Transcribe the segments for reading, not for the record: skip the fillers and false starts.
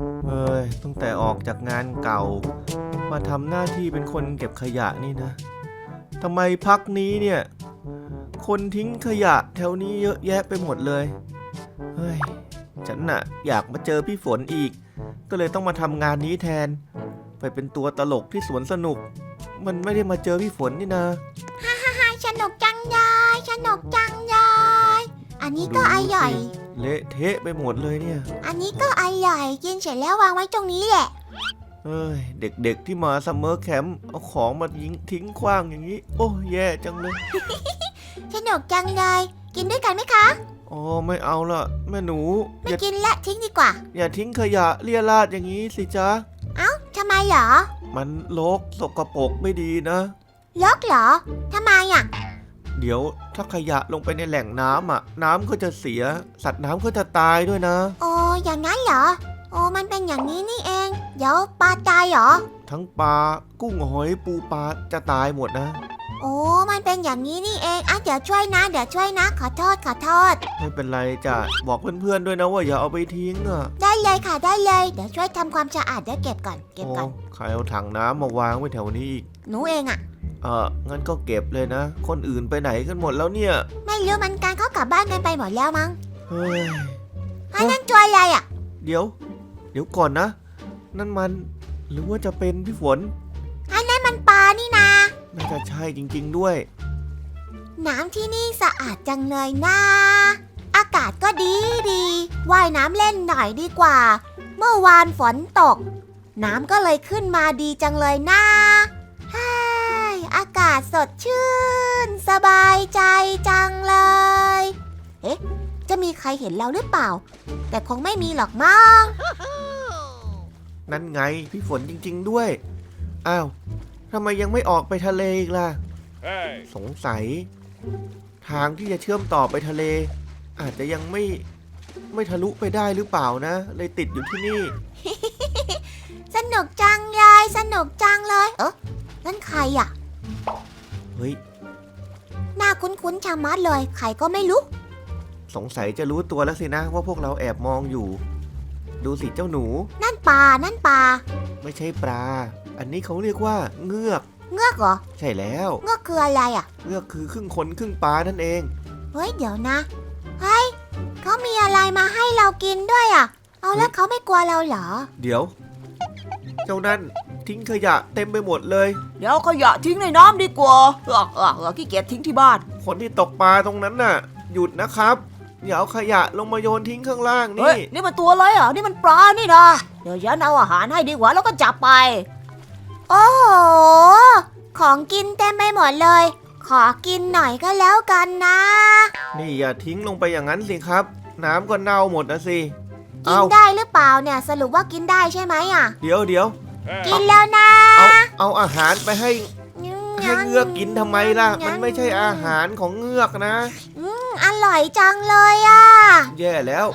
ตั้งแต่ออกจากงานเก่ามาทำหน้าที่เป็นคนเก็บขยะนี่นะทำไมพักนี้เนี่ยคนทิ้งขยะแถวนี้เยอะแยะไปหมดเลยเฮ้ยฉันน่ะอยากมาเจอพี่ฝนอีกก็เลยต้องมาทำงานนี้แทนไปเป็นตัวตลกที่สวนสนุกมันไม่ได้มาเจอพี่ฝนนี่นะฮ่าฮ่าฮ่าสนุกจังเลยสนุกจังเลยอันนี้ก็อร่อยเละเทะไปหมดเลยเนี่ยอันนี้ก็อร่อยกินเสร็จแล้ววางไว้ตรงนี้แหละเด็กๆที่มาซัมเมอร์แคมป์เอาของมาทิ้งขว้างอย่างนี้โอ้แย่จังเลยสนุกจังเลยกินด้วยกันไหมคะอ๋อไม่เอาละแม่หนูไม่กินละทิ้งดีกว่าอย่าทิ้งขยะเลี่ยราดอย่างนี้สิจ๊ะเอ้าทำไมเหรอมันรกสกปรกไม่ดีนะรกเหรอทำไมอ่ะเดี๋ยวถ้าขยะลงไปในแหล่งน้ำอ่ะน้ำก็จะเสียสัตว์น้ำก็จะตายด้วยนะโอ้อย่างนั้นเหรอโอ้มันเป็นอย่างนี้นี่เองเดี๋ยวปลาตายเหรอทั้งปลากุ้งหอยปูปลาจะตายหมดนะโอ้มันเป็นอย่างนี้นี่เองเดี๋ยวช่วยนะขอโทษไม่เป็นไรจ้ะบอกเพื่อนๆด้วยนะว่าอย่าเอาไปทิ้งอ่ะได้เลยค่ะได้เลยเดี๋ยวช่วยทำความสะอาดเดี๋ยวเก็บก่อนใครเอาถังน้ำมาวางไว้แถวนี้อีกหนูเองอ่ะงั้นก็เก็บเลยนะคนอื่นไปไหนกันหมดแล้วเนี่ยไม่รู้มันการเขากลับบ้านกันไปหมดแล้วมั้งเฮ้ยนั่นตัวอะไรอ่ะเดี๋ยวก่อนนะนั่นมันหรือว่าจะเป็นพี่ฝนนั่นมันปลานี่นาน่าจะใช่จริงๆด้วยน้ำที่นี่สะอาดจังเลยนะอากาศก็ดีว่ายน้ำเล่นหน่อยดีกว่าเมื่อวานฝนตกน้ำก็เลยขึ้นมาดีจังเลยนะอากาศสดชื่นสบายใจจังเลยจะมีใครเห็นเราหรือเปล่าแต่คงไม่มีหรอกมั้งนั่นไงพี่ฝนจริงๆด้วยอ้าวทำไมยังไม่ออกไปทะเลอีกล่ะ สงสัยทางที่จะเชื่อมต่อไปทะเลอาจจะยังไม่ทะลุไปได้หรือเปล่านะเลยติดอยู่ที่นี่สนุกจังเลยนั่นใครอ่ะเฮ้ยหน้าคุ้นๆชะมัดเลยใครก็ไม่รู้สงสัยจะรู้ตัวแล้วสินะว่าพวกเราแอบมองอยู่ดูสิเจ้าหนูนั่นปลาไม่ใช่ปลาอันนี้เขาเรียกว่าเงือกเหรอใช่แล้วเงือกคืออะไรอ่ะเงือกคือครึ่งคนครึ่งปลานั่นเองเฮ้ยเดี๋ยวนะเขามีอะไรมาให้เรากินด้วยอ่ะเอาแล้วเขาไม่กลัวเราเหรอเดี๋ยวเจ้านั่นทิ้งขยะเต็มไปหมดเลยเดี๋ยวขยะทิ้งในน้ำดีกว่าขี้เกียจทิ้งที่บ้านคนที่ตกปลาตรงนั้นน่ะหยุดนะครับอย่าเอาขยะลงมาโยนทิ้งข้างล่างนี่มันตัวอะไรอ่ะนี่มันปลานี่นะเดี๋ยวฉันเอาอาหารให้ดีกว่าแล้วก็จับไปโอ้โหของกินเต็มไปหมดเลยขอกินหน่อยก็แล้วกันนะนี่อย่าทิ้งลงไปอย่างนั้นสิครับน้ำก็เน่าหมดนะสิกินได้หรือเปล่าเนี่ยสรุปว่ากินได้ใช่ไหมอ่ะเดี๋ยวกินแล้วนะเอาอาหารไปให้เงือกกินทำไมล่ะมันไม่ใช่อาหารของเงือกนะอร่อยจังเลยอ่ะแย่แล้ว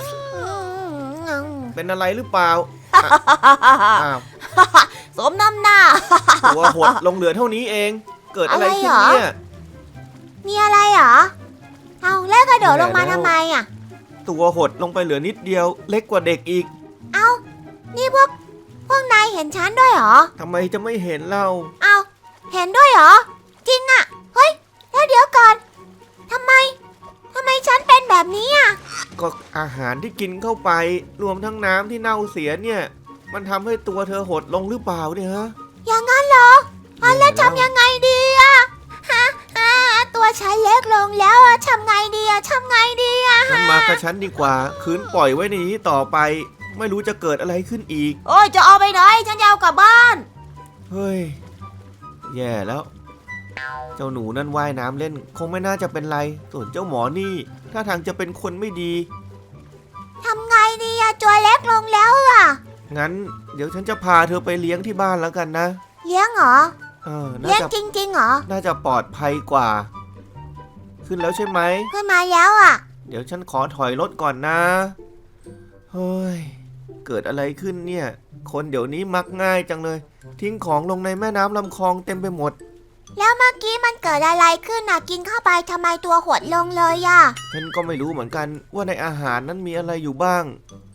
เป็นอะไรหรือเปล่าสมน้ำหน้าตัวหดลงเหลือเท่านี้เองเกิดอะไรขึ้นเนี่ยมีอะไรเหรอเอาแล้วกระโดดลงมาทำไมอ่ะตัวหดลงไปเหลือนิดเดียวเล็กกว่าเด็กอีกเอานี่พวกนายเห็นฉันด้วยเหรอทำไมจะไม่เห็นเราเอาเห็นด้วยเหรอจริงอ่ะเฮ้ยแล้วเดี๋ยวก่อนทำไมฉันเป็นแบบนี้อ่ะก็อาหารที่กินเข้าไปรวมทั้งน้ำที่เน่าเสียเนี่ยมันทำให้ตัวเธอหดลงหรือเปล่าเนี่ยฮะอย่างนั้นเหรอแล้วทำยังไงดีอ่ะตัวฉันเล็กลงแล้วอ่ะทำไงดีอ่ะฉันมากับฉันดีกว่าคืนปล่อยไว้ในนี้ต่อไปไม่รู้จะเกิดอะไรขึ้นอีกโอ้ยจะเอาไปไหนฉันจะเอากลับบ้านเฮ้ยแย่แล้วเจ้าหนูนั่นว่ายน้ำเล่นคงไม่น่าจะเป็นไรส่วนเจ้าหมอนี่ถ้าทางจะเป็นคนไม่ดีทำไงดีอะตัวเล็กลงแล้วอะงั้นเดี๋ยวฉันจะพาเธอไปเลี้ยงที่บ้านแล้วกันนะเลี้ยงเหรอเลี้ยงจริงๆเหรอน่าจะปลอดภัยกว่าขึ้นแล้วใช่ไหมขึ้นมาแล้วอะเดี๋ยวฉันขอถอยรถก่อนนะเฮ้ยเกิดอะไรขึ้นเนี่ยคนเดี๋ยวนี้มักง่ายจังเลยทิ้งของลงในแม่น้ำลำคลองเต็มไปหมดแล้วเมื่อกี้มันเกิดอะไรขึ้นน่ะกินเข้าไปทำไมตัวหดลงเลยอ่ะฉันก็ไม่รู้เหมือนกันว่าในอาหารนั้นมีอะไรอยู่บ้าง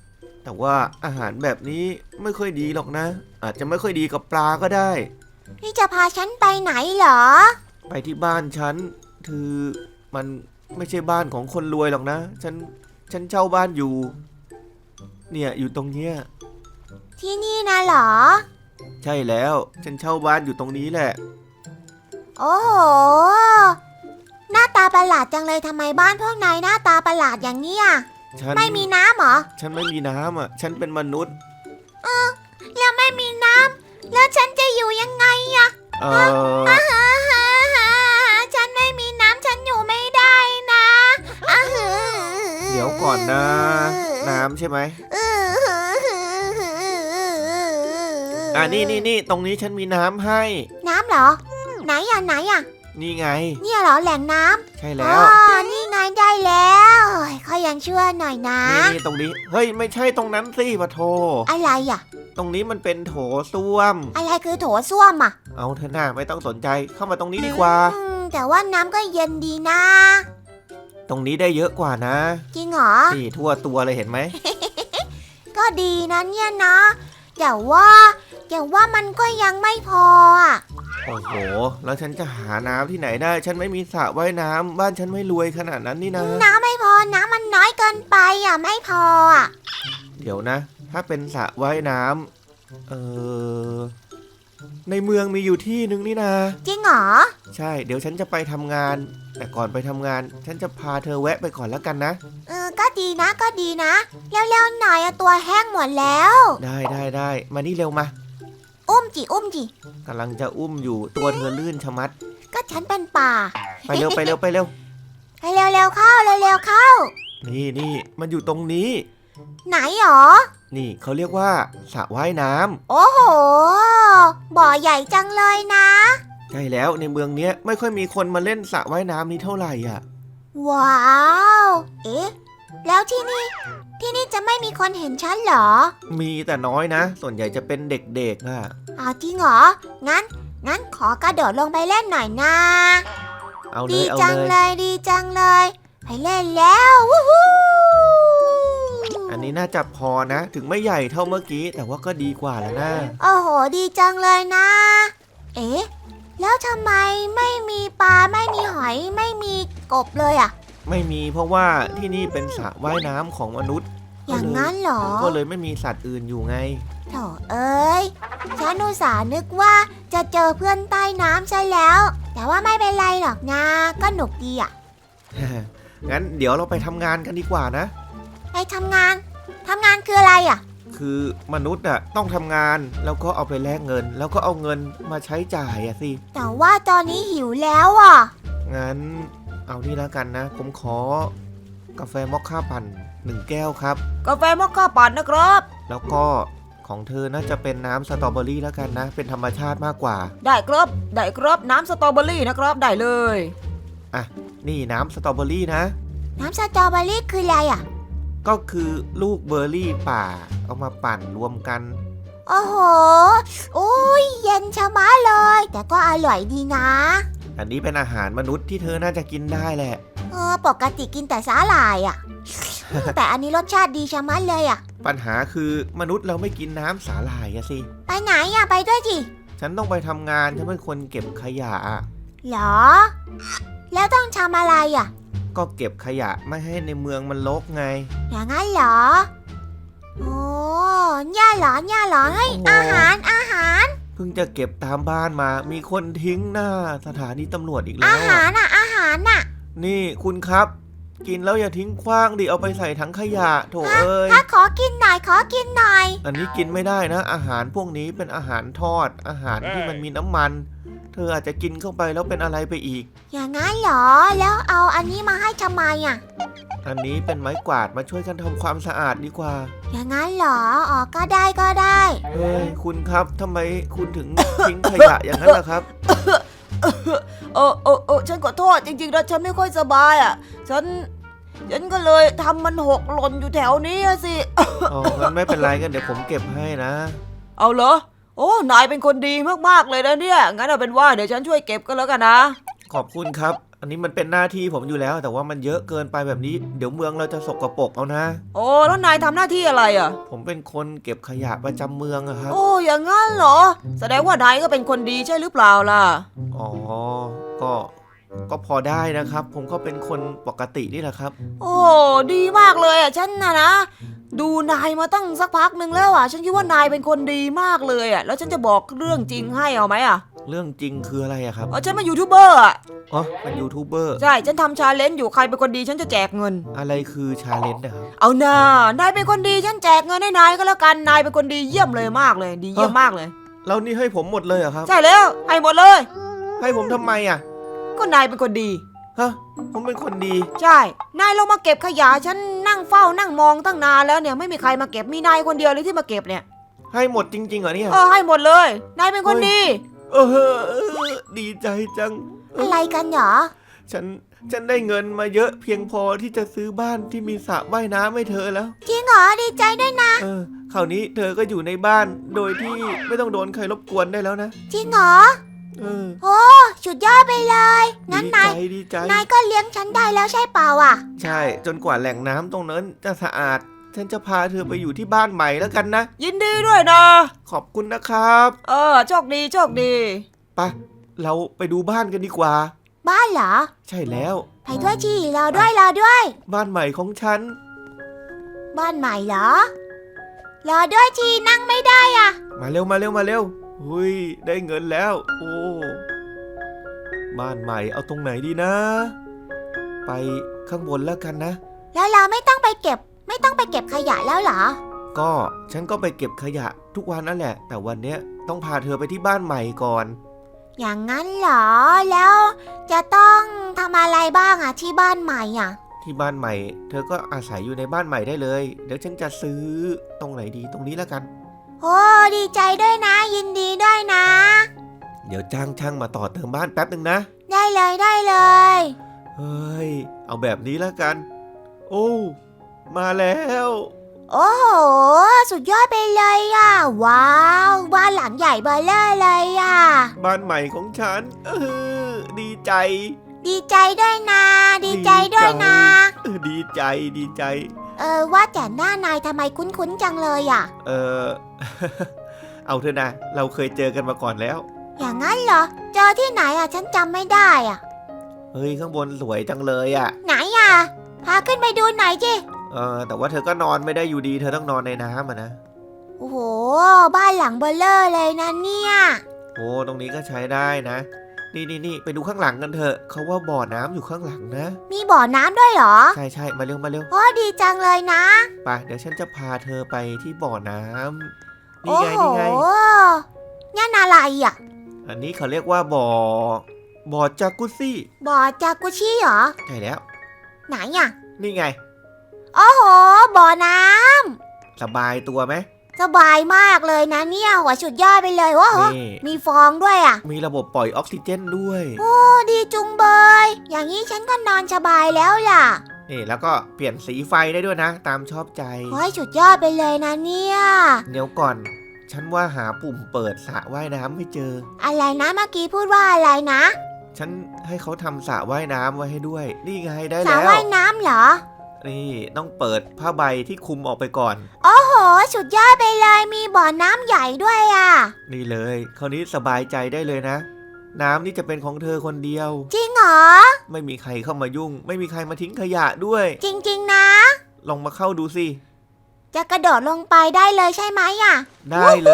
แต่ว่าอาหารแบบนี้ไม่ค่อยดีหรอกนะ อาจจะไม่ค่อยดีกับปลาก็ได้นี่จะพาฉันไปไหนเหรอไปที่บ้านฉันคือมันไม่ใช่บ้านของคนรวยหรอกนะ ฉันเช่าบ้านอยู่ เนี่ยอยู่ตรงเนี้ยที่นี่นะเหรอใช่แล้วฉันเช่าบ้านอยู่ตรงนี้แหละโอ้โห หน้าตาประหลาดจังเลยทำไมบ้านพวกนายหน้าตาประหลาดอย่างนี้อ่ะฉันไม่มีน้ำเหรอฉันไม่มีน้ำอ่ะ ฉันเป็นมนุษย์แล้วไม่มีน้ำแล้วฉันจะอยู่ยังไงอะเออฉันไม่มีน้ำฉันอยู่ไม่ได้นะอ่าหือเดี๋ยวก่อนนะ น้ำใช่ไหมนี่ตรงนี้ฉันมีน้ำให้น้ำเหรอ ไหนอ่ะไหนอ่ะนี่ไงเนี่ยเหรอแหล่งน้ำใช่อ๋แล้วอนี่ไงได้แล้วโอ้ยเขายังชั่วหน่อยนะนี่ตรงนี้ เฮ้ยไม่ใช่ตรงนั้นสิปะโทอะไรอ่ะตรงนี้มันเป็นโถส้วมอะไรคือโถส้วมอ่ะเอาเถอะหน้าไม่ต้องสนใจ เข้ามาตรงนี้ดีกว่าแต่ว่าน้ำก็เย็นดีนะตรงนี้ได้เยอะกว่านะจริงเหรอนี่ทั่วตัวเลยเห็นไหมก็ดีนะเนี่ยนะแต่ว่ามันก็ยังไม่พออ่ะโอ้โห แล้วฉันจะหาน้ำที่ไหนได้ ฉันไม่มีสระว่ายน้ำบ้านฉันไม่รวยขนาดนั้นนี่นะน้ำไม่พอ น้ำมันน้อยเกินไปอ่ะไม่พออ่ะเดี๋ยวนะ ถ้าเป็นสระว่ายน้ำในเมืองมีอยู่ที่นึงนี่นะจริงเหรอใช่ เดี๋ยวฉันจะไปทำงาน แต่ก่อนไปทำงาน ฉันจะพาเธอแวะไปก่อนแล้วกันนะก็ดีนะก็ดีนะเร็วๆหน่อยอะตัวแห้งหมดแล้วได้มานี่เร็วมาอุ้มจิกำลังจะอุ้มอยู่ตัวเธอลื่นชะมัดก็ฉันเป็นป่าไปเร็วไปเร็วๆเข้าเร็วๆเข้านี่มันอยู่ตรงนี้ไหนหรอนี่เขาเรียกว่าสระว่ายน้ำโอ้โห บ่อใหญ่จังเลยนะใช่แล้วในเมืองเนี้ยไม่ค่อยมีคนมาเล่นสระว่ายน้ำนี้เท่าไหร่อ่ะว้าว เอ๊ะ แล้วที่นี่จะไม่มีคนเห็นฉันเหรอมีแต่น้อยนะ ส่วนใหญ่จะเป็นเด็กๆอ่ะอ้าวจริงเหรอ งั้นขอกระโดดลงไปเล่นหน่อยนะเอาเลดียเอาจังเลยเลยดีจังเลย ไปเล่นแล้ววู้ฮู้อันนี้น่าจะพอนะ ถึงไม่ใหญ่เท่าเมื่อกี้ แต่ว่าก็ดีกว่าแล้วนะโอ้โห ดีจังเลยนะ เอ๊ะ แล้วทำไมไม่มีปลาไม่มีหอยไม่มีกบเลยอะไม่มีเพราะว่าที่นี่เป็นสระว่ายน้ำของมนุษย์อย่างนั้นเหรอก็เลยไม่มีสัตว์อื่นอยู่ไงโถเอ้ย ฉันอุตส่าห์นึกว่าจะเจอเพื่อนใต้น้ำซะแล้ว แต่ว่าไม่เป็นไรหรอกนะ ก็หนุกดีอะงั้นเดี๋ยวเราไปทำงานกันดีกว่านะไปทำงานคืออะไรอะคือมนุษย์อะต้องทำงานแล้วก็เอาไปแลกเงิน แล้วก็เอาเงินมาใช้จ่ายอะสิแต่ว่าตอนนี้หิวแล้วอะงั้นเอานี่แล้วกันนะ ผมขอกาแฟมอคค่าปั่น1 แก้วครับกาแฟมอคค่าปั่นนะครับแล้วก็ของเธอน่าจะเป็นน้ำสตรอเบอรี่แล้วกันนะ เป็นธรรมชาติมากกว่าได้ครับน้ำสตรอเบอรี่นะครับได้เลยอ่ะ นี่น้ำสตรอเบอรี่นะน้ำสตรอเบอรี่คืออะไรอะก็คือลูกเบอร์รี่ป่า เอามาปั่นรวมกันโอ้โห โอ้ยเย็นชะมัดเลย แต่ก็อร่อยดีนะอันนี้เป็นอาหารมนุษย์ที่เธอน่าจะกินได้แหละปกติกินแต่สาหร่ายอะ แต่อันนี้รสชาติดีชะมัดเลยอะปัญหาคือมนุษย์เราไม่กินน้ำสาหร่ายอะสิไปไหนอะไปด้วยจิฉันต้องไปทำงาน ฉันเป็นคนเก็บขยะอะเหรอ แล้วต้องทำอะไรอะก็เก็บขยะไม่ให้ในเมืองมันรกไงอย่างนั้นเหรอ โอ้เนี่ยเหรอเฮ้ยโอ้โหอาหารเพิ่งจะเก็บตามบ้านมา มีคนทิ้งหน้าสถานีตำรวจอีกแล้อาว หารน่ะนี่คุณครับ กินแล้วอย่าทิ้งขว้างดิเอาไปใส่ถังขยะโถเอ้ยถ้าขอกินหน่อยอันนี้กินไม่ได้นะ อาหารพวกนี้เป็นอาหารทอด อาหารที่มันมีน้ำมัน เธออาจจะกินเข้าไปแล้วเป็นอะไรไปอีกอย่างนั้นเหรอ แล้วเอาอันนี้มาให้ทำไมอะอันนี้เป็นไม้กวาดมาช่วยกันทำความสะอาดดีกว่าอย่างนั้นเหรอ อ๋อ ก็ได้เฮ้ยคุณครับทำไมคุณถึง ทิ้งขยะอย่างนั้นล่ะครับฉันขอโทษจริงๆนะฉันไม่ค่อยสบายอ่ะ ฉันก็เลยทำมันหกหล่นอยู่แถวนี้อะสิอ๋องั้นไม่เป็นไรกันเดี๋ยวผมเก็บให้นะเอาเหรอ โอ้นายเป็นคนดีมากๆเลยนะเนี่ย งั้นเอาเป็นว่าเดี๋ยวฉันช่วยเก็บก็แล้วกันนะขอบคุณครับอันนี้มันเป็นหน้าที่ผมอยู่แล้ว แต่ว่ามันเยอะเกินไปแบบนี้ เดี๋ยวเมืองเราจะสกปรกเอานะโอ้แล้วนายทำหน้าที่อะไรอ่ะผมเป็นคนเก็บขยะประจำเมืองอะครับโอ้อย่างงั้นเหรอ แสดงว่านายก็เป็นคนดีใช่หรือเปล่าล่ะอ๋อ ก็พอได้นะครับ ผมก็เป็นคนปกตินี่แหละครับโอ้ดีมากเลยอ่ะฉันนะดูนายมาตั้งสักพักหนึ่งแล้วอ่ะฉันคิดว่านายเป็นคนดีมากเลยอ่ะแล้วฉันจะบอกเรื่องจริงให้เอาไหมอ่ะเรื่องจริงคืออะไรอะครับฉันเป็นยูทูบเบอร์อ่ะอ๋อ เป็นยูทูบเบอร์ใช่ฉันทำชาเลนจ์อยู่ใครเป็นคนดีฉันจะแจกเงินอะไรคือชาเลนจ์นะครับเอาหน้านายเป็นคนดีฉันแจกเงินให้นายก็แล้วกันนายเป็นคนดีเยี่ยมเลยมากเลยดีเยี่ยมมากเลยแล้วนี่ให้ผมหมดเลยเหรอครับใช่แล้วให้หมดเลยให้ผมทำไมอะก็นายเป็นคนดีฮะ ผมเป็นคนดีใช่ นายลงมาเก็บขยะฉันนั่งเฝ้านั่งมองตั้งนานแล้วเนี่ยไม่มีใครมาเก็บมีนายคนเดียวเลยที่มาเก็บเนี่ยให้หมดจริงๆเหรอเนี่ยให้หมดเลย นายเป็นคนดีดีใจจังอะไรกันเหรอฉันได้เงินมาเยอะเพียงพอที่จะซื้อบ้านที่มีสระว่ายน้ำให้เธอแล้วจริงเหรอดีใจด้วยนะคราวนี้เธอก็อยู่ในบ้านโดยที่ไม่ต้องโดนใครรบกวนได้แล้วนะจริงเหรอ โอ้สุดยอดไปเลยงั้นดีใจนายก็เลี้ยงฉันได้แล้วใช่เปล่าอ่ะใช่จนกว่าแหล่งน้ำตรงนั้นจะสะอาด ฉันจะพาเธอไปอยู่ที่บ้านใหม่แล้วกันนะยินดีด้วยนะขอบคุณนะครับโชคดีโชคดีไปเราไปดูบ้านกันดีกว่าบ้านเหรอใช่แล้วไปด้วยชีรอด้วยบ้านใหม่ของฉันบ้านใหม่เหรอ รอด้วยชีนั่งไม่ได้อ่ะมาเร็วหุยได้เงินแล้ว โอ้บ้านใหม่เอาตรงไหนดีนะ ไปข้างบนแล้วกันนะแล้วเราไม่ต้องไปเก็บขยะแล้วเหรอก็ฉันก็ไปเก็บขยะทุกวันนั่นแหละ แต่วันเนี้ยต้องพาเธอไปที่บ้านใหม่ก่อนอย่างนั้นเหรอ แล้วจะต้องทำอะไรบ้างอ่ะที่บ้านใหม่อ่ะที่บ้านใหม่ เธอก็อาศัยอยู่ในบ้านใหม่ได้เลย เดี๋ยวฉันจะซื้อตรงไหนดีตรงนี้แล้วกันโอ้ดีใจด้วยนะ ยินดีด้วยนะเดี๋ยวจ้างช่างมาต่อเติมบ้านแป๊บหนึ่งนะได้เลยเฮ้ยเอาแบบนี้แล้วกัน โอ้มาแล้วโอ้โหสุดยอดไปเลยอ่ะ ว้าวบ้านหลังใหญ่เบ้อเร่อเลยอ่ะบ้านใหม่ของฉันดีใจดีใจด้วยนะดีใจด้วยนะดีใจว่าแต่หน้านายทำไมคุ้นๆจังเลยอ่ะเอาเถอะนะ เราเคยเจอกันมาก่อนแล้วอย่างนั้นเหรอ เจอที่ไหนอ่ะฉันจำไม่ได้อ่ะเฮ้ยข้างบนสวยจังเลยอ่ะไหนอ่ะ พาขึ้นไปดูหน่อยจิแต่ว่าเธอก็นอนไม่ได้อยู่ดี เธอต้องนอนในน้ำนะโอ้โหบ้านหลังเบลเลอร์เลยนะเนี่ยโอ้ตรงนี้ก็ใช้ได้นะ นี่ไปดูข้างหลังกันเถอะเขาว่าบ่อน้ำอยู่ข้างหลังนะ มาบ่อน้ำด้วยเหรอใช่มาเร็วโอ้ดีจังเลยนะไปเดี๋ยวฉันจะพาเธอไปที่บ่อน้ำโอ้นี่โหไงนั่นอะไรอ่ะอันนี้เขาเรียกว่าบ่อจากุซซี่บ่อจากุชิเหรอใช่แล้วไหนอ่ะนี่ไงโอ้โหบ่อน้สบายตัวไหมำสบายมากเลยนะเนี่ยหัวสุดยอดไปเลยโอ้โหนี่มีฟองด้วยอ่ะมีระบบปล่อยออกซิเจนด้วยโอ้ดีจุงเบย อย่างนี้ฉันก็นอนสบายแล้วล่ะนี่แล้วก็เปลี่ยนสีไฟได้ด้วยนะ ตามชอบใจโอ้ยสุดยอดไปเลยนะเนี่ยเดี๋ยวก่อน ฉันว่าหาปุ่มเปิดสระว่ายน้ำไม่เจออะไรนะเมื่อกี้พูดว่าอะไรนะฉันให้เขาทำสระว่ายน้ำไว้ให้ด้วย นี่ไงได้สระแล้วว่ายน้ำเหรอนี่ต้องเปิดผ้าใบที่คลุมออกไปก่อนโอ้โห สุดยอดไปเลยมีบ่อน้ำใหญ่ด้วยอ่ะนี่เลยคราวนี้สบายใจได้เลยนะ น้ำนี่จะเป็นของเธอคนเดียวจริงเหรอไม่มีใครเข้ามายุ่ง ไม่มีใครมาทิ้งขยะด้วยจริงๆนะลองมาเข้าดูสิจะกระโดดลงไปได้เลยใช่ไหมอ่ะได้เลย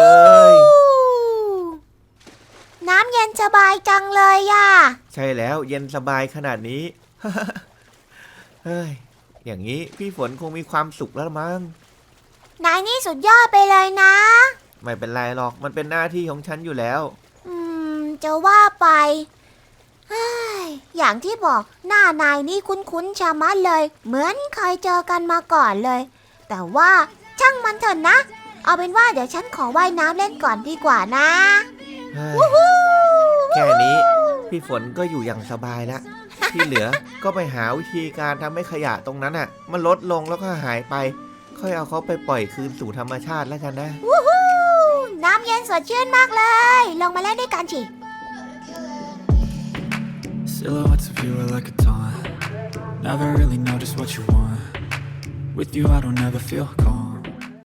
น้ำเย็นสบายจังเลยอ่ะใช่แล้วเย็นสบายขนาดนี้ เฮ้ยอย่างนี้พี่ฝนคงมีความสุขแล้วมั้งนายนี่สุดยอดไปเลยนะไม่เป็นไรหรอกมันเป็นหน้าที่ของฉันอยู่แล้วจะว่าไปเฮ้ยอย่างที่บอกหน้านายนี่คุ้นๆชะมัดเลย เหมือนเคยเจอกันมาก่อนเลย แต่ว่าช่างมันเถอะนะ เอาเป็นว่าเดี๋ยวฉันขอว่ายน้ำเล่นก่อนดีกว่านะเฮ้ยแค่นี้พี่ฝนก็อยู่อย่างสบายแล้ว ที่เหลือก็ไปหาวิธีการทำให้ขยะตรงนั้นอ่ะ มันลดลงแล้วก็หายไป ค่อยเอาเขาไปปล่อยคืนสู่ธรรมชาติแล้วกันนะน้ำเย็นสดชื่นมากเลย ลงมาเล่นด้วยกันสิ Silhouettes of you are like a taunt. Never really know just what you want. With you I don't ever feel calm.